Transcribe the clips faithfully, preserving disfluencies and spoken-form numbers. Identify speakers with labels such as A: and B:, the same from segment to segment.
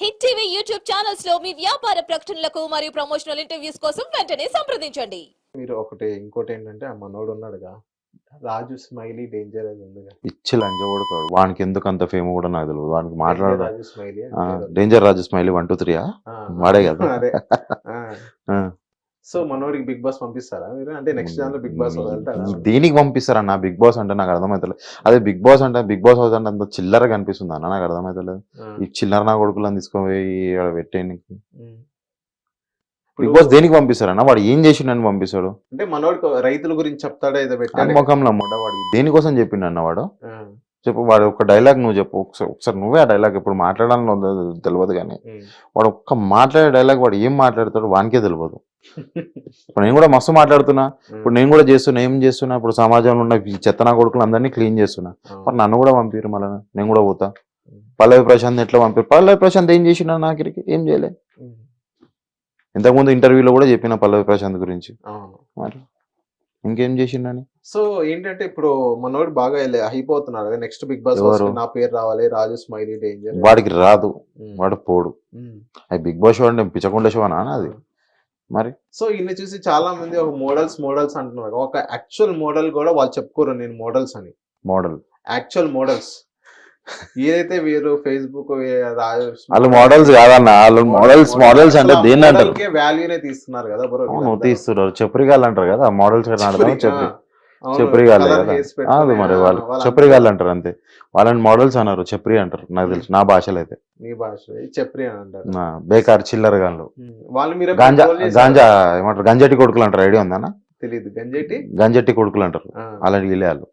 A: Hit TV YouTube channels లో మీ వ్యాపార ప్రకటనలకు మరియు ప్రమోషనల్ ఇంటర్వ్యూస్ కోసం వెంటనే సంప్రదించండి.
B: మీరు ఒకటి ఇంకోటి ఏంటంటే ఆ మనోడు ఉన్నాడుగా రాజు స్మైలీ డేంజర్ అది ఉందిగా
C: పిచ్చి లంజ కొడుతాడు వానికి ఎందుకు అంత ఫేమ్ కూడా నాకు తెలియదు వానికి
B: డేంజర్
C: మాట్లాడ
B: Raju smiley
C: danger Raju smiley one two త్రీయా వాడే కదా
B: అదే
C: ఆ.
B: సో మనోడికి బిగ్ బాస్ పంపిస్తారా మీరు అంటే నెక్స్ట్ దాంట్లో బిగ్ బాస్ వెళ్తారా
C: దీనికి పంపిస్తారన్న బిగ్ బాస్ అంటే నాకు అర్థమవుతలేదు అదే బిగ్ బాస్ అంటే బిగ్ బాస్ హౌస్ అంటే అంత చిల్లర కనిపిస్తుంది అన్న నాకు అర్థమవుతలేదు ఈ చిల్లర నా కొడుకులను తీసుకుపోయి ఈడ పెట్టేయడానికి బిగ్ బాస్ దేనికి పంపిస్తారన్న వాడు ఏం చేసిండని పంపిస్తాడు
B: అంటే మనోడికి రైతుల గురించి చెప్తాడా ఏదో
C: అని
B: పెట్టాడు
C: ముఖంలో ముడ్డ వాడు దేనికోసం చెప్పిండన్న వాడు చెప్పు వాడు ఒక డైలాగ్ నువ్వు చెప్పు ఒకసారి ఒకసారి నువ్వే ఆ డైలాగ్ ఇప్పుడు మాట్లాడాలని ఉందో తెలియదు కానీ వాడు ఒక్క మాట్లాడే డైలాగ్ వాడు ఏం మాట్లాడతాడు వానికే తెలియదు ఇప్పుడు నేను కూడా మస్తు మాట్లాడుతున్నా ఇప్పుడు నేను కూడా చేస్తున్నా ఏం చేస్తున్నా ఇప్పుడు సమాజంలో ఉన్న ఈ చెత్తనా కొడుకులు అందరినీ క్లీన్ చేస్తున్నా మరి నన్ను కూడా పంపిరు మళ్ళీ నేను కూడా పోతా పల్లవి ప్రశాంత్ ఎట్లా పంపిరు పల్లవి ప్రశాంత్ ఏం చేసినా నాకిరికి ఏం చేయలే ఇంతకుముందు ఇంటర్వ్యూలో కూడా చెప్పిన పల్లవి ప్రశాంత్ గురించి మరి ఇంకేం చేసిండని
B: సో ఏంటంటే ఇప్పుడు మనోడు బాగా అయిపోతున్నాడు కదా నెక్స్ట్ బిగ్ బాస్ నా పేరు రావాలి రాజు స్మైలీ డేంజర్
C: వాడికి రాదు వాడు పోడు అది బిగ్ బాస్ షో అంటే పిచ్చకుండా షో అనా అది మరి
B: సో ఇన్ని చూసి చాలా మంది ఒక మోడల్స్ మోడల్స్ అంటున్నారు ఒక యాక్చువల్ మోడల్ కూడా వాళ్ళు చెప్పుకోరు నేను మోడల్స్ అని
C: మోడల్
B: యాక్చువల్ మోడల్స్ ఏదైతే వీరు ఫేస్బుక్
C: వాళ్ళు మోడల్స్ కాదన్న వాళ్ళు మోడల్స్ మోడల్స్ అంటే దేన్ని అంటారు
B: వాల్యూనే తీస్తున్నారు కదా బ్రో
C: నువ్వు తీస్తున్నారు చెప్పురిగాళ్ళు అంటారు కదా మోడల్స్ చెప్పి చెప్పురిగాళ్ళే కదా అది మరి వాళ్ళు చెప్పురిగాళ్ళు అంటారు అంతే వాళ్ళని మోడల్స్ అన్నారు చెప్రి అంటారు నాకు తెలుసు నా భాషలో అయితే
B: మీ భాష చెప్రి అని అంటారు
C: బేకార్ చిల్లర గాన్లు
B: వాళ్ళు మీరు
C: గాంజా గాంజా ఏమంటారు గంజటి కొడుకులు అంటారు ఐడియా ఉందా
B: తెలియదు గంజటి
C: గంజటి కొడుకులు అంటారు అలాంటి వీళ్ళు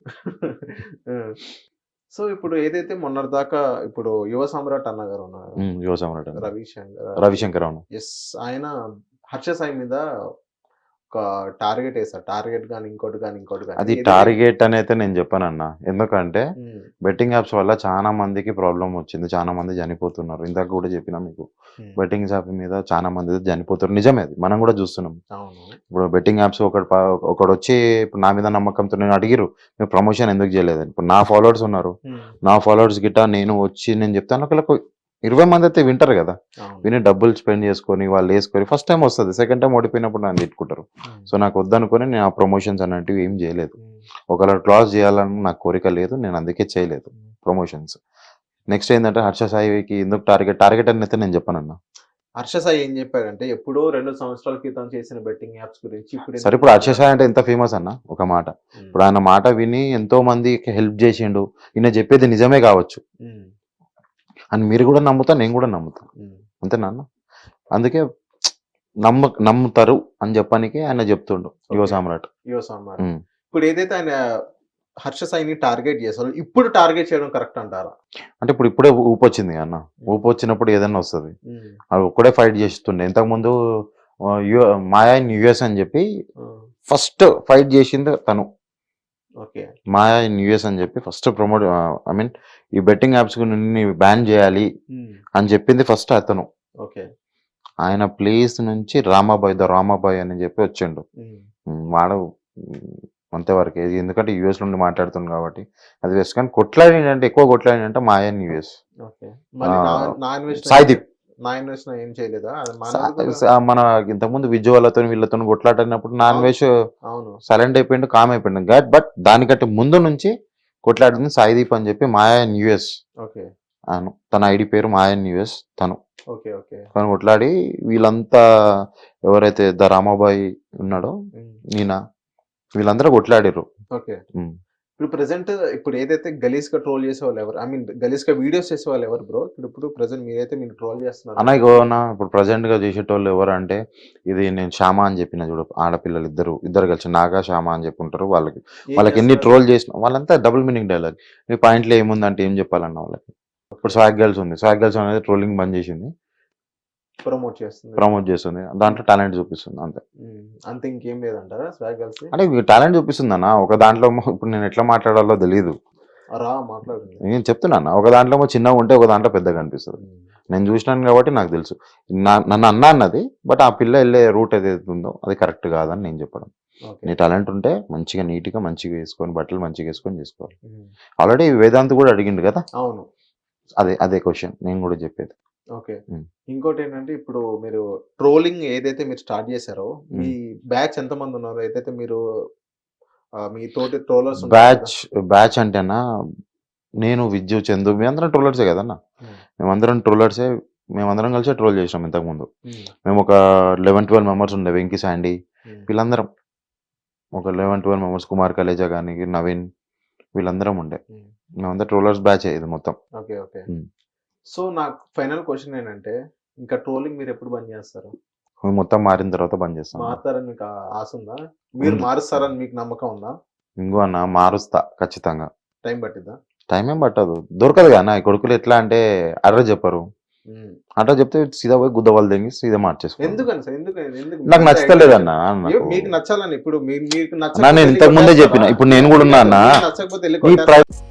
B: సో ఇప్పుడు ఏదైతే మొన్నటి దాకా ఇప్పుడు యువ సమ్రాట్ అన్న గారు ఉన్నారు
C: యువ సమ్రాట్
B: రవిశంకర్
C: రవిశంకర్ అవును
B: ఎస్ ఆయన హర్ష సాయి మీద ఒక టార్గెట్ వేస్తారు టార్గెట్ కానీ ఇంకోటి కానీ ఇంకోటి కానీ
C: అది టార్గెట్ అని అయితే నేను చెప్పానన్న ఎందుకంటే బెట్టింగ్ యాప్స్ వల్ల చాలా మందికి ప్రాబ్లం వచ్చింది చాలా మంది చనిపోతున్నారు ఇందాక కూడా చెప్పినా మీకు బెట్టింగ్ యాప్ మీద చాలా మంది చనిపోతున్నారు నిజమే అది మనం కూడా చూస్తున్నాం ఇప్పుడు బెట్టింగ్ యాప్స్ ఒకటి ఒకటి వచ్చి ఇప్పుడు నా మీద నమ్మకంతో నేను అడిగిరు మీరు ప్రమోషన్ ఎందుకు చేయలేదని ఇప్పుడు నా ఫాలోవర్స్ ఉన్నారు నా ఫాలోవర్స్ గిట్ట నేను వచ్చి నేను చెప్తాను ఒకళ్ళకు ఇరవై మంది అయితే వింటారు కదా విని డబ్బులు స్పెండ్ చేసుకొని వాళ్ళు వేసుకొని ఫస్ట్ టైం వస్తుంది సెకండ్ టైం ఓడిపోయినప్పుడు నన్ను తిట్టుకుంటారు సో నాకు వద్దనుకొని నేను ఆ ప్రమోషన్స్ అన్నట్టు ఏం చేయలేదు ఒకవేళ క్లాస్ చేయాలని నాకు కోరిక లేదు నేను అందుకే చేయలేదు ప్రమోషన్స్ నెక్స్ట్ ఏంటంటే హర్ష సాయికి ఎందుకు టార్గెట్ టార్గెట్ అని అయితే నేను చెప్పానన్నా
B: హర్ష సాయి ఏం చెప్పాడంటే ఎప్పుడో రెండు సంవత్సరాల క్రితం చేసిన బెట్టింగ్ యాప్స్ గురించి ఇప్పుడు
C: సరే ఇప్పుడు హర్ష సాయి అంటే ఎంత ఫేమస్ అన్న ఒక మాట ఇప్పుడు ఆయన మాట విని ఎంతో మందికి హెల్ప్ చేసిండు ఈయన చెప్పేది నిజమే కావచ్చు అని మీరు కూడా నమ్ముతా నేను కూడా నమ్ముతా అంతేనా అందుకే నమ్మ నమ్ముతారు అని చెప్పడానికి ఆయన చెప్తుండు యువ సామ్రాట్
B: యువ సామ్రాట్ ఇప్పుడు ఏదైతే ఆయన హర్ష సాయిని టార్గెట్ చేస్తారు ఇప్పుడు టార్గెట్ చేయడం కరెక్ట్ అంటారా
C: అంటే ఇప్పుడు ఇప్పుడే ఊపు వచ్చింది అన్న ఊపు వచ్చినప్పుడు ఏదైనా వస్తుంది అది ఒక్కడే ఫైట్ చేస్తుండే ఇంతకుముందు మాయా ఇన్ యుఎస్ అని చెప్పి ఫస్ట్ ఫైట్ చేసింది తను మాయా ఇన్ యుఎస్ అని చెప్పి ఫస్ట్ ప్రమోట్ ఐ మీన్ ఈ బెట్టింగ్ యాప్స్ బ్యాన్ చేయాలి అని చెప్పింది ఫస్ట్ అతను ఆయన ప్లేస్ నుంచి రామాబాయ్ ద రామాబాయ్ అని చెప్పి వచ్చిండు వాడు అంతేవరకు ఎందుకంటే యుఎస్ నుండి మాట్లాడుతుంది కాబట్టి అది వేస్ట్ కానీ కొట్లాడి అంటే ఎక్కువ కొట్లాడి అంటే మాయా ఇన్ యుఎస్ సాయిదీప్ మన ఇంతకుముందు విజయ్ వాళ్ళతో వీళ్ళతో కొట్లాడినప్పుడు నాన్ వెజ్ సైలెంట్ అయిపోయిండు కామ్ అయిపోయిండు బట్ దానికంటే ముందు నుంచి కొట్లాడింది సాయిదీప్ అని చెప్పి మాయా ఇన్ యుఎస్ అను తన ఐడి పేరు మాయా ఇన్ యుఎస్ తను తను కొట్లాడి వీళ్ళంతా ఎవరైతే ద రామాబాయి ఉన్నాడో ఈయన వీళ్ళందరూ కొట్లాడారు
B: ఇప్పుడు ప్రెసెంట్ ఇప్పుడు ఏదైతే గలీజ్ గా ట్రోల్ చేసే వాళ్ళు ఎవరు ఐ మీన్ గలీజ్ గా వీడియోస్ చేసే వాళ్ళు ఎవరు బ్రో ఇప్పుడు ప్రెసెంట్ మీరైతే మీరు ట్రోల్ చేస్తున్నారు
C: అన్న ఇప్పుడు ప్రెసెంట్ గా చేసేటోళ్ళు ఎవరు అంటే ఇది నేను శ్యామ అని చెప్పిన చూడు ఆడపిల్లలు ఇద్దరు ఇద్దరు కలిసి నాగా శ్యామ అని చెప్పి ఉంటారు వాళ్ళకి వాళ్ళకి ఎన్ని ట్రోల్ చేసిన వాళ్ళంతా డబుల్ మీనింగ్ డైలాగ్ మీ పాయింట్లో ఏముందంటే ఏం చెప్పాలన్న వాళ్ళకి ఇప్పుడు స్వాగ్ గర్ల్స్ ఉంది స్వాగ్ గర్ల్స్ అనేది ట్రోలింగ్ బంద్ చేసింది
B: ప్రమోట్ చేస్తుంది
C: ప్రమోట్ చేస్తుంది దాంట్లో టాలెంట్ చూపిస్తుంది అంతే
B: అంతే ఇంకేం లేదంటారా స్వాగ్ గర్ల్స్
C: అంటే టాలెంట్ చూపిస్తుంది అన్న ఒక దాంట్లో ఇప్పుడు నేను ఎట్లా మాట్లాడాలో తెలియదు నేను చెప్తున్నా ఒక దాంట్లో చిన్నగా ఉంటే ఒక దాంట్లో పెద్దగా అనిపిస్తుంది నేను చూసినాను కాబట్టి నాకు తెలుసు నన్ను అన్నా అన్నది బట్ ఆ పిల్ల వెళ్ళే రూట్ ఏదైతే ఉందో అది కరెక్ట్ కాదని నేను చెప్పడం నీ టాలెంట్ ఉంటే మంచిగా నీట్గా మంచిగా వేసుకొని బట్టలు మంచిగా వేసుకొని చేసుకోవాలి ఆల్రెడీ వేదాంత్ కూడా అడిగిండు కదా
B: అవును
C: అదే అదే క్వశ్చన్ నేను కూడా చెప్పేది
B: ఓకే.
C: హ్మ్.
B: ఇంకోటి ఏంటంటే ఇప్పుడు మీరు ట్రోలింగ్ ఏదైతే మీరు స్టార్ట్ చేశారో మీ బ్యాచ్ ఎంతమంది ఉన్నారు? ఏదైతే మీరు ఆహ్, మీ తోటి ట్రోలర్స్ ఉంటారు కదా!
C: బ్యాచ్ బ్యాచ్ అంటేనా నేను, విజ్జు, చందు మేమందరం ట్రోలర్సే కదన్న.
B: హ్మ్.
C: మేమందరం ట్రోలర్సే. మేమందరం కలిసే ట్రోల్ చేసినాం ఇంతకుముందు.
B: హ్మ్.
C: మేము ఒక లెవెన్ ట్వెల్వ్ మెంబర్స్ ఉండే. వెంకీ, శాండీ
B: హ్మ్.
C: వీళ్ళందరం ఒక eleven twelve members. Kumar Kaleja గాని, నవీన్ వీళ్ళందరం ఉండే.
B: హ్మ్.
C: మేమంతా ట్రోలర్స్ బ్యాచే ఇది మొత్తం.
B: ఓకే. ఓకే.
C: హ్మ్.
B: సో, నాకు ఫైనల్ క్వెషన్ ఏంటంటే ఇంకా ట్రోలింగ్ మీరు ఎప్పుడు బంద్ చేస్తారు?
C: మేము మొత్తం మారిన తర్వాత బంద్ చేస్తాం.
B: మారుతారని మీకు ఆ ఆశ ఉందా? మీరు
C: ఉంది.
B: మారుస్తారని మీకు నమ్మకం ఉందా?
C: ఇంగో అన్న మారుస్తా ఖచ్చితంగా.
B: టైం పట్టిద్దా?
C: టైం ఏం పట్టదు. దొరకదు కదా అన్న. ఈ కొడుకులు ఎట్లా అంటే అడ్రస్ చెప్పరు.
B: హ్మ్.
C: అడ్రస్ చెప్తే సీదా పోయి గుద్ద వాళ్ళు తెంగి సీదా మార్చేసుకో.
B: ఎందుకని సార్? ఎందుకు ఎందుకు
C: నాకు
B: మీకు
C: నచ్చలేదన్న.
B: ఏ మీకు నచ్చాలని ఇప్పుడు మీ మీకు
C: అన్న
B: నచ్చకపోతే
C: నేను
B: ఎళ్లి
C: ఇంతకు ముందే
B: కొట్టేస్తారా?
C: చెప్పిన. ఇప్పుడు నేను కూడా
B: అది
C: ఉన్నా
B: కాదు.
C: అన్న.
B: మీకు నచ్చకపోతే ఎళ్లి
C: నీ
B: కొట్టేస్తారా?